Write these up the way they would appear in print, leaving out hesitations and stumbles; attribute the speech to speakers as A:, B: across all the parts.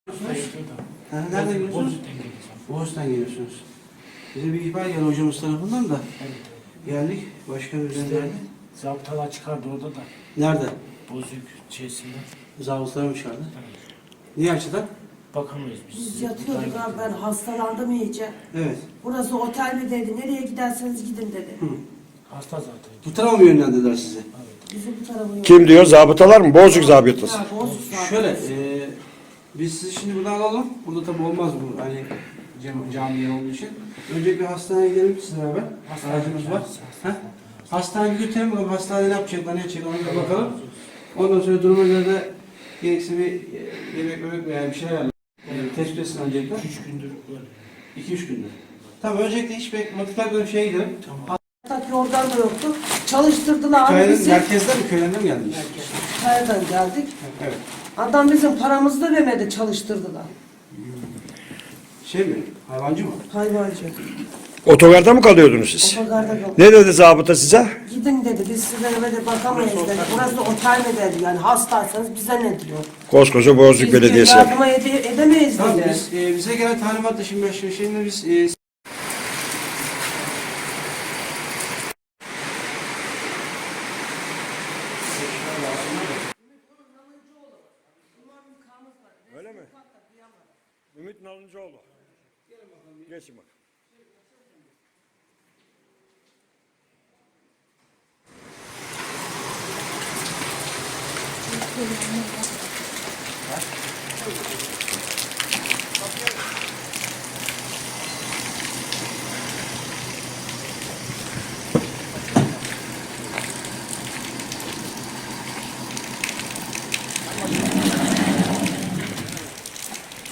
A: Nereden geliyorsunuz? Boğaz'dan geliyorsunuz. Bize bir ihbar geldi hocamız tarafından da.
B: Evet.
A: Geldik. Başkan
B: İşte
A: üzerinde.
B: zabıtalar çıkardı orada da.
A: Nerede?
B: Bozuk şeysinden.
A: Zabıtlar mı çıkardı?
B: Evet.
A: Niye açıdan?
B: Bakamıyoruz biz.
C: Biz yatıyorduk abi, ben hastalandım iyice.
A: Evet.
C: Burası otel mi dedi, nereye giderseniz gidin dedi.
A: Hı.
B: Hasta zaten.
A: Bu tarafa mı yönlendirdiler sizi?
B: Evet.
C: Bizi bu tarafa yok.
D: Kim diyor? Zabıtalar mı? Bozuk zabıtası.
C: Ha, bozuk zaten.
A: Şöyle, biz sizi şimdi buradan alalım. Burada tabii olmaz bu hani cami yeri olduğu için. Önce bir hastaneye gidelim sizle beraber. Aracımız var. Ha? Hastaneye götürelim bakalım. Hastanede ne yapacaklar, ne yapacaklar ona da bakalım. Ondan sonra duruma göre de gerekse bir yemek veya bir şeyler ayarlayalım. Tespit etsin öncelikle.
B: 3 gündür böyle.
A: 2-3 gündür. Tamam, öncelikle hiç mutlaka bir şeye gidelim.
B: Tamam.
C: Tak yorgan da yoktu. Çalıştırdılar abi
A: Köyden,
C: bizi.
A: merkezden mi, köyden mi geldiniz?
C: Kaya'dan geldik.
A: Evet.
C: Adam bizim paramızı da vermedi, çalıştırdılar.
A: Şey mi, hayvancı mı?
C: Hayvancı.
D: Otogarda mı kalıyordunuz siz?
C: Otogarda yok.
D: Ne dedi zabıta size?
C: Gidin dedi, biz size de bakamayız dedi. Burası otel mi dedi, yani hastaysanız bize ne diyor.
D: Koskoca Bozuk
C: Biz
D: Belediyesi.
C: yardıma edemeyiz
A: Tamam,
C: dedi.
A: biz, bize gelen talimatla şimdi biz
D: Öyle mi? Ümit Nalıncıoğlu. Geçin bak.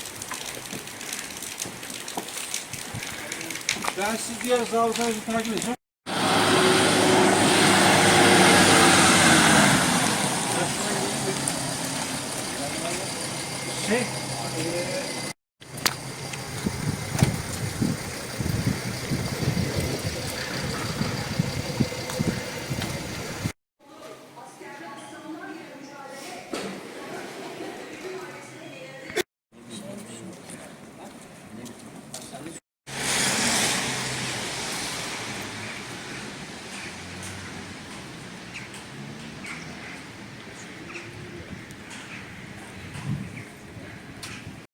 A: ben siz diğer zabıtanızı takip edeceğim.